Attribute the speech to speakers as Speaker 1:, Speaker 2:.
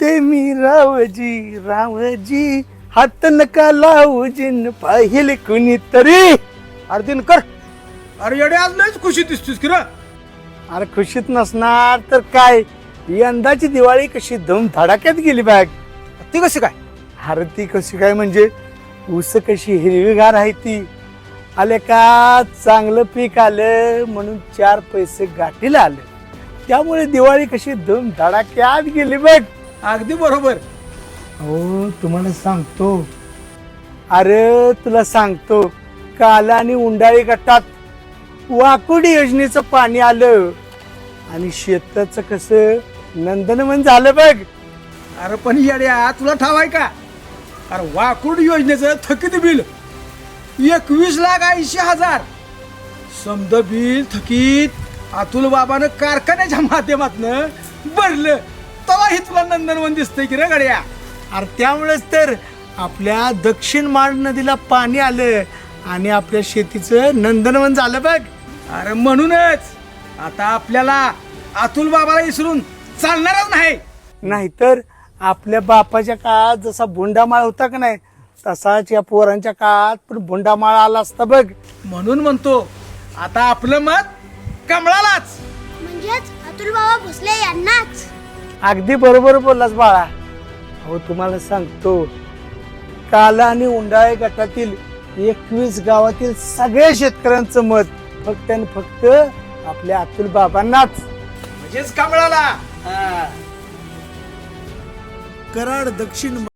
Speaker 1: म्हणते मी रावजी रावजी, हात नका लावजीन पाहिले कुणीतरी.
Speaker 2: अरे दिनकर, अरे येडे आज लयच खुशी दिसतोस की रे.
Speaker 1: अरे खुशीत नसणार तर काय, यंदाची दिवाळी कशी धूम धडाक्यात गेली बॅग.
Speaker 2: ती कशी काय?
Speaker 1: अरे ती कशी काय म्हणजे, ऊस कशी हिरवीगार आहे ती, आले का चांगलं पीक आलं म्हणून 4 पैसे गाठीला आले, त्यामुळे दिवाळी कशी धूम धडाक्यात गेली बघ.
Speaker 2: अगदी बरोबर.
Speaker 1: हो तुम्हाला सांगतो, अरे तुला सांगतो, काला आणि उंडाळी गटात वाकुडी योजनेचं पाणी आलं आणि शेताचं कसं नंदनवन झालं बघ.
Speaker 2: अरे पण येड्या तुला ठाव आहे का? अरे वाकुड योजनेचं थकीत बिल 21,80,000 समद बिल थकीत अतुल बाबानं कारखान्याच्या माध्यमातनं भरलं, तेव्हा हे तुला नंदनवन दिसतंय की रे गड्या.
Speaker 1: अरे त्यामुळेच तर आपल्या दक्षिण माळ नदीला पाणी आलं आणि आपल्या शेतीचं नंदनवन झालं बघ.
Speaker 2: अरे म्हणूनच आता आपल्याला अतुल बाबाला विसरून चालणारच नाही.
Speaker 1: नाहीतर आपल्या बापाच्या काळात जसा भोंडामाळ होता का नाही, तसाच या पोरांच्या काळात पण भोंडामाळ आला असता बघ.
Speaker 2: म्हणून म्हणतो आता आपलं मत कमळालाच.
Speaker 3: म्हणजेच अतुल बाबा भोसले यांनाच.
Speaker 1: अगदी बरोबर बोललास बाळा. अहो तुम्हाला सांगतो, काला आणि उंडाळे गटातील 21 गावातील सगळ्या शेतकऱ्यांचं मत फक्त आणि फक्त आपल्या अतुल बाबांनाच,
Speaker 2: म्हणजेच कमळाला.
Speaker 1: कराड दक्षिण